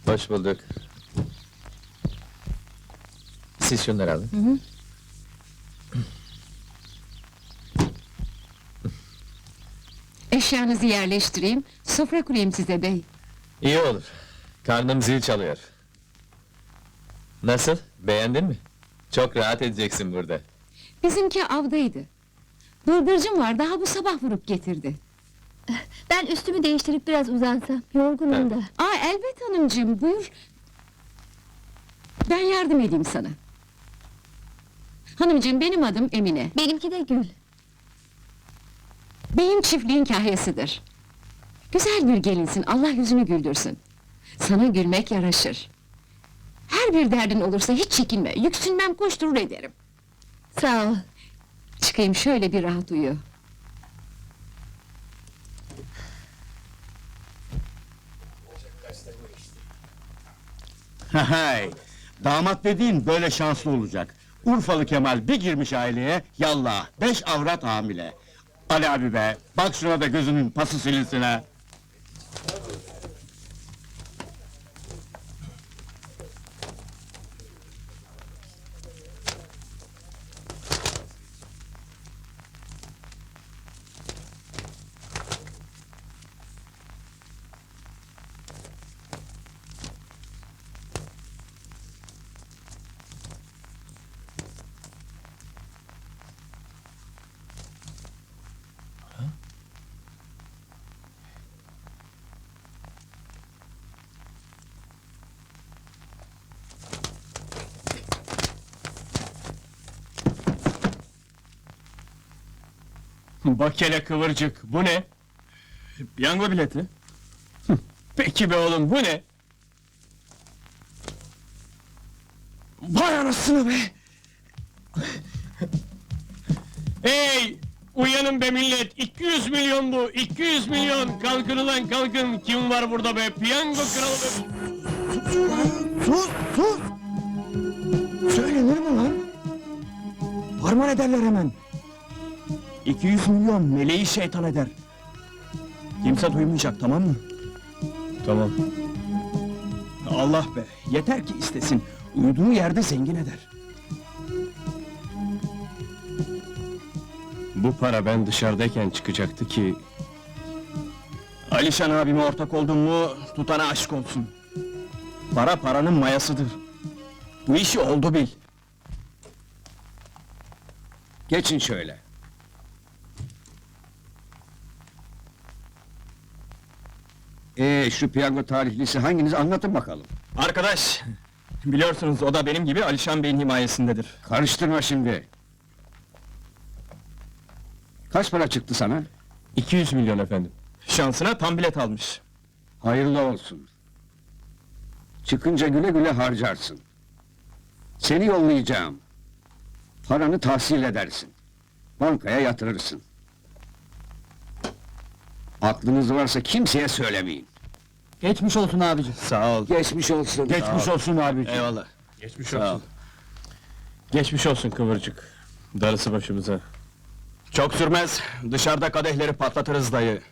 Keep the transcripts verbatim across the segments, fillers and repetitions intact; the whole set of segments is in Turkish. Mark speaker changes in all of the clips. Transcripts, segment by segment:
Speaker 1: Hoş bulduk. Siz şunları alın.
Speaker 2: Hı hı. Eşyanızı yerleştireyim, sofra kurayım size bey.
Speaker 1: İyi olur. Karnım zil çalıyor. Nasıl? Beğendin mi? Çok rahat edeceksin burada.
Speaker 2: Bizimki avdaydı. Bıldırcın var, daha bu sabah vurup getirdi.
Speaker 3: Ben üstümü değiştirip biraz uzansam, yorgunum da.
Speaker 2: Aa, elbet hanımcığım, buyur. Ben yardım edeyim sana. Hanımcığım, benim adım Emine.
Speaker 3: Benimki de Gül.
Speaker 2: Beyim çiftliğin kahyasıdır. Güzel bir gelinsin, Allah yüzünü güldürsün. Sana gülmek yaraşır. Her bir derdin olursa hiç çekinme, yüksünmem koşturur ederim.
Speaker 3: Sağ ol.
Speaker 2: Çıkayım şöyle bir rahat uyu.
Speaker 4: Hay, damat dediğin böyle şanslı olacak. Urfalı Kemal bir girmiş aileye, yallah, beş avrat hamile. Ali abi be, bak şuna da gözünün pası silinsin ha.
Speaker 5: Bak hele kıvırcık, bu ne? Piyango bileti. Peki be oğlum, bu ne? Vay anasını be! Hey! Uyanın be millet! iki yüz milyon bu! iki yüz milyon! Kalkın ulan kalkın! Kim var burada be? Piyango kralı be!
Speaker 6: Sus, sus! Söylenir mi lan? Harman ederler hemen. iki yüz milyon meleği şeytan eder. Kimse duymayacak, tamam mı?
Speaker 5: Tamam.
Speaker 6: Allah be, yeter ki istesin. Uyuduğu yerde zengin eder.
Speaker 5: Bu para ben dışarıdayken çıkacaktı ki...
Speaker 6: Alişan abime ortak oldun mu, tutana aşk olsun. Para paranın mayasıdır. Bu işi oldu bil.
Speaker 4: Geçin şöyle. Ee, şu piyango tarihlisi hanginiz anlatın bakalım.
Speaker 6: Arkadaş, biliyorsunuz o da benim gibi Alişan Bey'in himayesindedir.
Speaker 4: Karıştırma şimdi. Kaç para çıktı sana?
Speaker 5: iki yüz milyon efendim.
Speaker 6: Şansına tam bilet almış.
Speaker 4: Hayırlı olsun. Çıkınca güle güle harcarsın. Seni yollayacağım. Paranı tahsil edersin. Bankaya yatırırsın. Aklınız varsa kimseye söylemeyin.
Speaker 6: Geçmiş olsun abici. Sağ ol.
Speaker 4: Geçmiş olsun.
Speaker 6: Geçmiş olsun abici.
Speaker 5: Eyvallah. Geçmiş
Speaker 6: Sağ ol.
Speaker 5: olsun. Geçmiş olsun kıvırcık. Darısı başımıza.
Speaker 6: Çok sürmez, dışarıda kadehleri patlatırız dayı.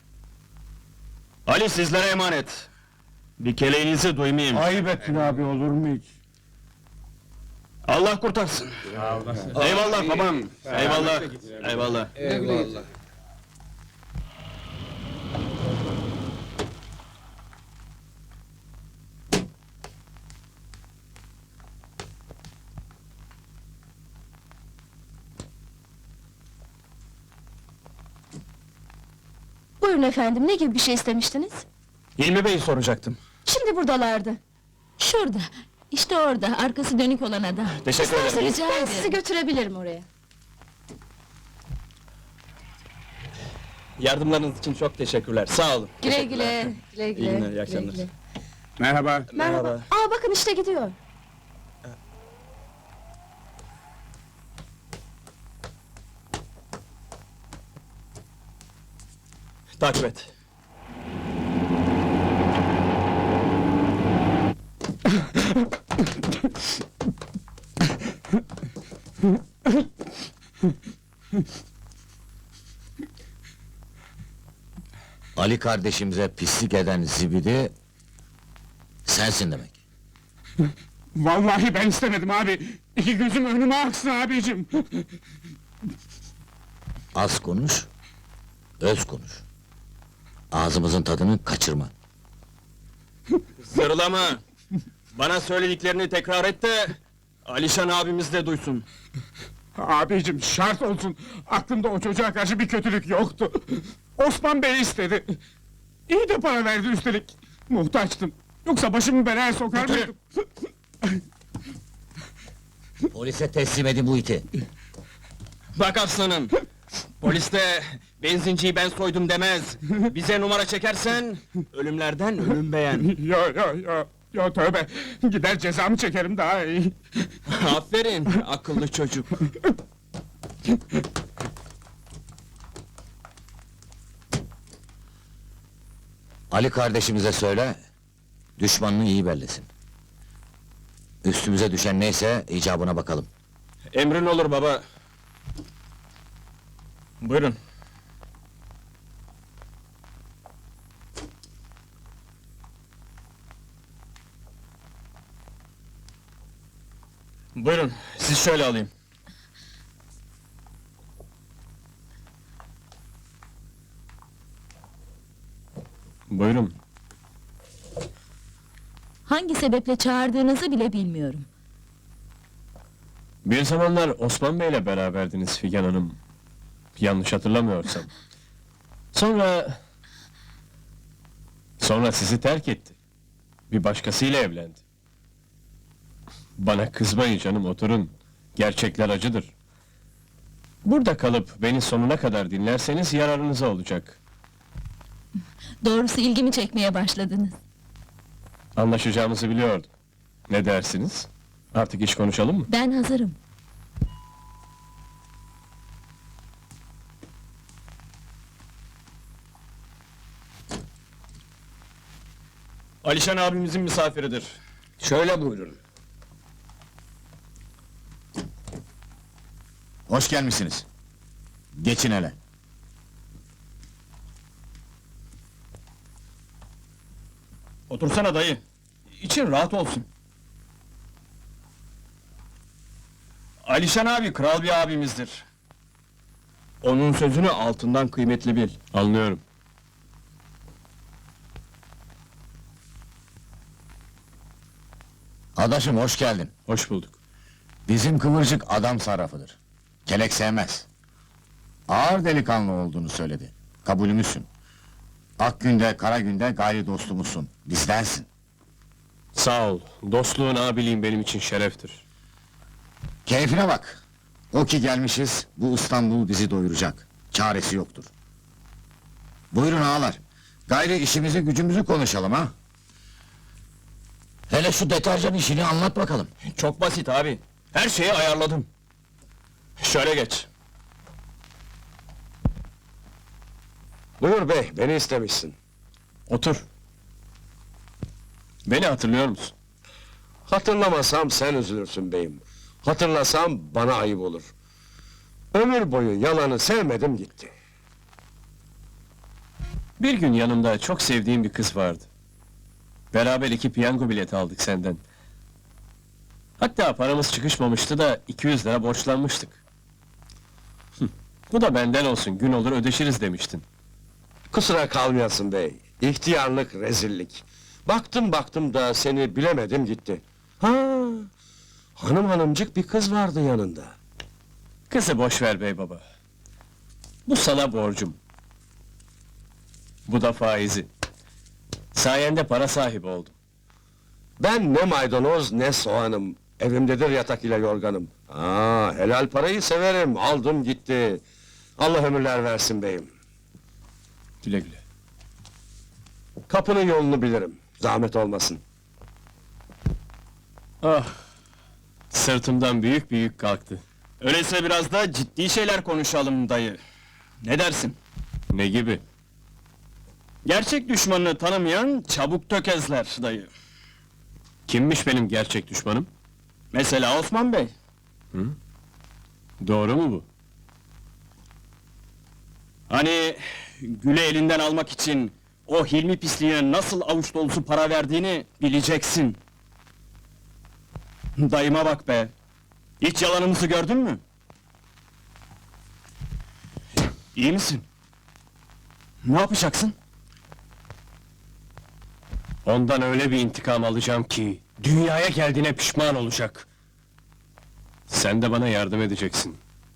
Speaker 6: Ali sizlere emanet. Bir keleğinizi duymayayım.
Speaker 4: Ayıp ettin abi, olur mu hiç?
Speaker 6: Allah kurtarsın. Eyvallah babam. Eyvallah. Eyvallah.
Speaker 3: Buyurun efendim, ne gibi bir şey istemiştiniz?
Speaker 6: Hilmi Bey'i soracaktım.
Speaker 3: Şimdi buradalardı. Şurada, işte orada, arkası dönük olan adam.
Speaker 6: Teşekkür ederim.
Speaker 3: İsterseniz rica ederim. Sizi götürebilirim oraya.
Speaker 6: Yardımlarınız için çok teşekkürler. Sağ olun.
Speaker 3: Güle güle. Güle güle.
Speaker 6: İyi günler, iyi
Speaker 3: güle
Speaker 6: akşamlar.
Speaker 3: güle.
Speaker 4: Merhaba.
Speaker 3: Merhaba. Aa bakın işte gidiyor.
Speaker 6: Takip et.
Speaker 7: Ali kardeşimize pislik eden zibidi sensin demek.
Speaker 4: Vallahi ben istemedim abi. İki gözüm önüme aksın abicim.
Speaker 7: Az konuş, öz konuş. Ağzımızın tadını kaçırma.
Speaker 6: Zırlama! Bana söylediklerini tekrar et de... Alişan abimiz de duysun.
Speaker 4: Abicim şart olsun. Aklımda o çocuğa karşı bir kötülük yoktu. Osman Bey istedi. İyi de para verdi üstelik. Muhtaçtım. Yoksa başımı belaya sokar mıydım?
Speaker 7: Polise teslim edin bu iti.
Speaker 6: Bak aslanım! Polis de benzinciyi ben soydum demez. Bize numara çekersen ölümlerden ölüm beğen.
Speaker 4: Yo yo yo. Yo tövbe. Gider cezamı çekerim daha iyi.
Speaker 6: Aferin akıllı çocuk.
Speaker 7: Ali kardeşimize söyle, düşmanını iyi bellesin. Üstümüze düşen neyse icabına bakalım.
Speaker 6: Emrin olur baba. Buyurun. Buyurun, siz şöyle alayım.
Speaker 5: Buyurun.
Speaker 3: Hangi sebeple çağırdığınızı bile bilmiyorum.
Speaker 5: Bir zamanlar Osman Bey'le beraberdiniz Figen Hanım. Yanlış hatırlamıyorsam. Sonra... Sonra sizi terk etti. Bir başkasıyla evlendi. Bana kızmayın canım, oturun. Gerçekler acıdır. Burada kalıp beni sonuna kadar dinlerseniz yararınıza olacak.
Speaker 3: Doğrusu ilgimi çekmeye başladınız.
Speaker 5: Anlaşacağımızı biliyordum. Ne dersiniz? Artık iş konuşalım mı?
Speaker 3: Ben hazırım.
Speaker 6: Alişan abimizin misafiridir.
Speaker 7: Şöyle buyurun. Hoş gelmişsiniz. Geçin hele.
Speaker 6: Otursana dayı. İçin rahat olsun. Alişan abi kral bir abimizdir. Onun sözünü altından kıymetli bil.
Speaker 5: Anlıyorum.
Speaker 7: Adaşım hoş geldin.
Speaker 5: Hoş bulduk.
Speaker 7: Bizim kıvırcık adam sarrafıdır. Kelek sevmez. Ağır delikanlı olduğunu söyledi. Kabulümüzsün. Ak günde, kara günde gayri dostumuzsun. Bizdensin.
Speaker 5: Sağ ol. Dostluğun, abiliğin benim için şereftir.
Speaker 7: Keyfine bak. O ki gelmişiz, bu İstanbul bizi doyuracak. Çaresi yoktur. Buyurun ağalar. Gayri işimizi gücümüzü konuşalım ha. Hele şu deterjan işini anlat bakalım.
Speaker 6: Çok basit abi. Her şeyi ayarladım. Şöyle geç.
Speaker 8: Buyur bey, beni istemişsin.
Speaker 5: Otur. Beni hatırlıyor musun?
Speaker 8: Hatırlamasam sen üzülürsün beyim. Hatırlasam bana ayıp olur. Ömür boyu yalanı sevmedim gitti.
Speaker 5: Bir gün yanımda çok sevdiğim bir kız vardı. Beraber iki piyango bileti aldık senden. Hatta paramız çıkışmamıştı da iki yüz lira borçlanmıştık. Hıh, bu da benden olsun, gün olur ödeşiriz demiştin.
Speaker 8: Kusura kalmayasın bey. İhtiyarlık, rezillik. Baktım baktım da seni bilemedim gitti. Ha, hanım hanımcık bir kız vardı yanında.
Speaker 5: Kızı boş ver bey baba. Bu sana borcum. Bu da faizi. Sayende para sahibi oldum.
Speaker 8: Ben ne maydanoz ne soğanım. Evimdedir yatak ile yorganım. Aa, helal parayı severim. Aldım gitti. Allah ömürler versin beyim.
Speaker 5: Güle güle.
Speaker 8: Kapının yolunu bilirim. Zahmet olmasın.
Speaker 5: Ah! Sırtımdan büyük büyük kalktı.
Speaker 6: Öyleyse biraz da ciddi şeyler konuşalım dayı. Ne dersin?
Speaker 5: Ne gibi?
Speaker 6: Gerçek düşmanını tanımayan çabuk tökezler dayı.
Speaker 5: Kimmiş benim gerçek düşmanım?
Speaker 6: Mesela Osman Bey.
Speaker 5: Doğru mu bu?
Speaker 6: Hani Gül'ü elinden almak için o Hilmi pisliğine nasıl avuç dolusu para verdiğini bileceksin. Dayıma bak be! Hiç yalanımızı gördün mü? İyi misin? Ne yapacaksın?
Speaker 5: Ondan öyle bir intikam alacağım ki... ...dünyaya geldiğine pişman olacak. Sen de bana yardım edeceksin.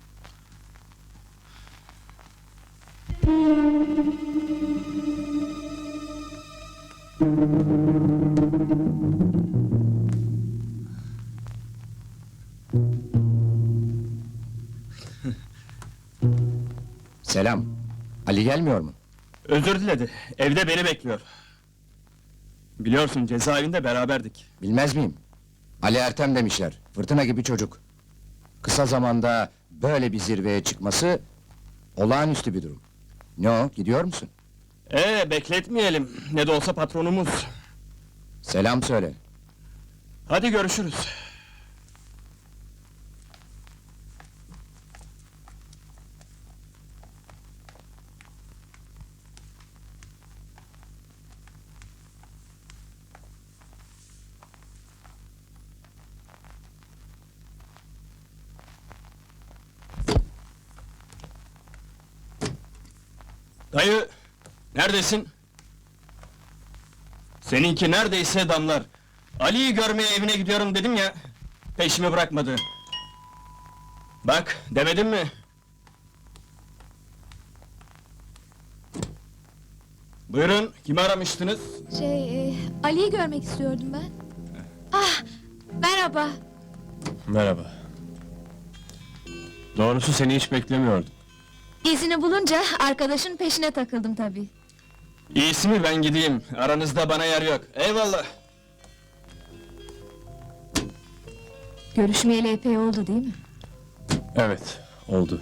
Speaker 7: Selam. Ali gelmiyor mu?
Speaker 6: Özür diledi, evde beni bekliyor. Biliyorsun, cezaevinde beraberdik.
Speaker 7: Bilmez miyim? Ali Ertem demişler. Fırtına gibi çocuk. Kısa zamanda böyle bir zirveye çıkması... ...olağanüstü bir durum. Ne o, gidiyor musun?
Speaker 6: Ee, bekletmeyelim, ne de olsa patronumuz.
Speaker 7: Selam söyle.
Speaker 6: Hadi görüşürüz. Dayı, neredesin? Seninki neredeyse damlar. Ali'yi görmeye evine gidiyorum dedim ya, peşimi bırakmadı. Bak, demedim mi? Buyurun, kimi aramıştınız?
Speaker 3: Şey, e, Ali'yi görmek istiyordum ben. Ah, merhaba.
Speaker 5: Merhaba. Doğrusu seni hiç beklemiyordum.
Speaker 3: İzini bulunca arkadaşın peşine takıldım tabii.
Speaker 6: İyisi mi ben gideyim, aranızda bana yer yok. Eyvallah!
Speaker 3: Görüşmeyeli epey oldu değil mi?
Speaker 5: Evet, oldu.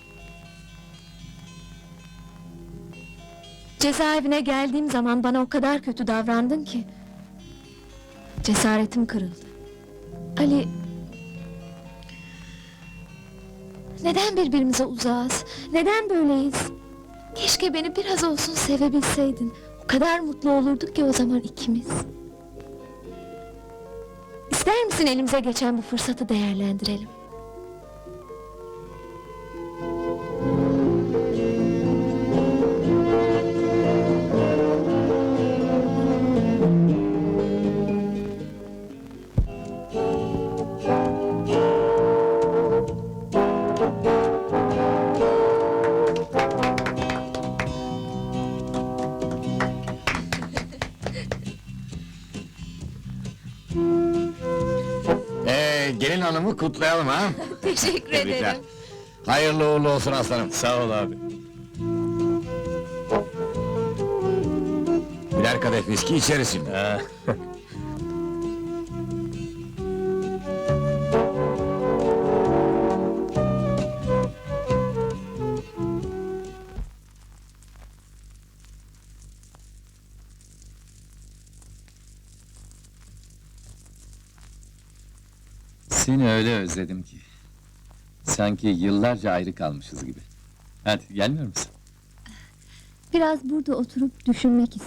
Speaker 3: Cezaevine geldiğim zaman bana o kadar kötü davrandın ki... ...cesaretim kırıldı. Ali... Neden birbirimize uzağız? Neden böyleyiz? Keşke beni biraz olsun sevebilseydin. O kadar mutlu olurduk ki o zaman ikimiz. İster misin elimize geçen bu fırsatı değerlendirelim?
Speaker 7: Ee, gelin hanımı kutlayalım ha?
Speaker 3: Teşekkür
Speaker 7: Tebrikler.
Speaker 3: ederim.
Speaker 7: Hayırlı uğurlu olsun aslanım.
Speaker 5: Sağ ol abi.
Speaker 7: Birer kadeh viski içeriz şimdi.
Speaker 5: Ha.
Speaker 1: Seni öyle özledim ki. Sanki yıllarca ayrı kalmışız gibi. Hadi, gelmiyor musun?
Speaker 3: Biraz burada oturup düşünmek istiyorum.